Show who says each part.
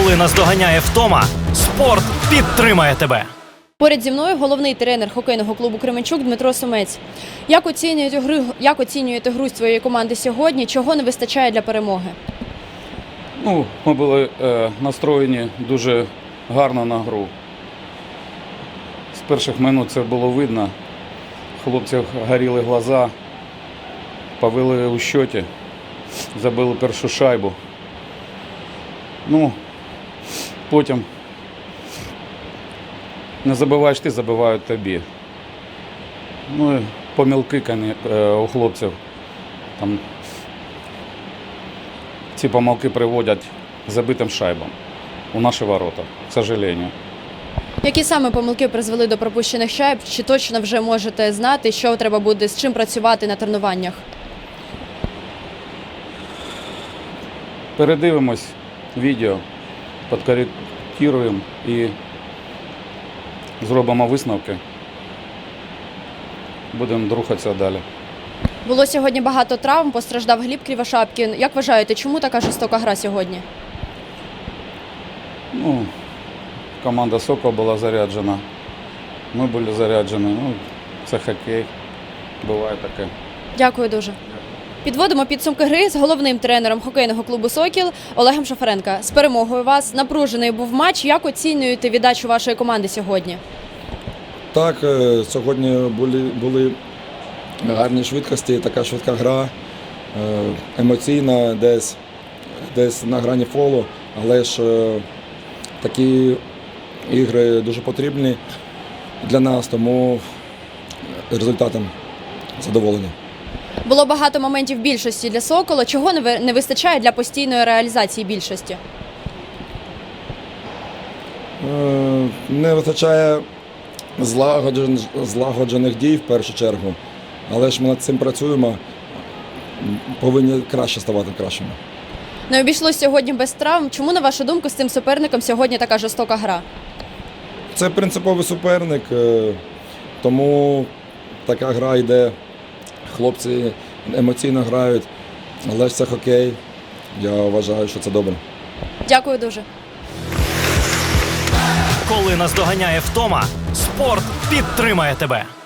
Speaker 1: Коли наздоганяє втома, спорт підтримає тебе.
Speaker 2: Поряд зі мною головний тренер хокейного клубу «Кременчук» Дмитро Сумець. Як оцінюєте гру своєї команди сьогодні? Чого не вистачає для перемоги?
Speaker 3: Ми були настроєні дуже гарно на гру. З перших минут це було видно. Хлопців горіли глаза, повели у счеті, забили першу шайбу. Потім не забиваєш ти, забивають тобі. І помилки у хлопців. Там ці помилки приводять забитим шайбам у наші ворота, к сожалению.
Speaker 2: Які саме помилки призвели до пропущених шайб? Чи точно вже можете знати, що треба буде, з чим працювати на тренуваннях?
Speaker 3: Передивимось відео, підкоректуємо і зробимо висновки. Будемо рухатися далі.
Speaker 2: Було сьогодні багато травм, постраждав Гліб Кривошапкін. Як вважаєте, чому така жорстока гра сьогодні?
Speaker 3: Команда «Сокол» була заряджена, ми були заряджені. Це хокей, буває таке.
Speaker 2: Дякую дуже. Підводимо підсумки гри з головним тренером хокейного клубу «Сокіл» Олегом Шафаренко. З перемогою вас. Напружений був матч. Як оцінюєте віддачу вашої команди сьогодні?
Speaker 4: Так, сьогодні були гарні швидкості, така швидка гра, емоційна, десь на грані фолу, але ж такі ігри дуже потрібні для нас, тому результатом задоволені.
Speaker 2: Було багато моментів більшості для «Сокола». Чого не вистачає для постійної реалізації більшості?
Speaker 4: Не вистачає злагоджених дій в першу чергу, але ж ми над цим працюємо, повинні краще ставати кращими.
Speaker 2: Не обійшлося сьогодні без травм. Чому, на вашу думку, з цим суперником сьогодні така жорстока гра?
Speaker 4: Це принциповий суперник, тому така гра йде. Хлопці емоційно грають, але ж це хокей. Я вважаю, що це добре.
Speaker 2: Дякую дуже.
Speaker 1: Коли наздоганяє втома, спорт підтримає тебе.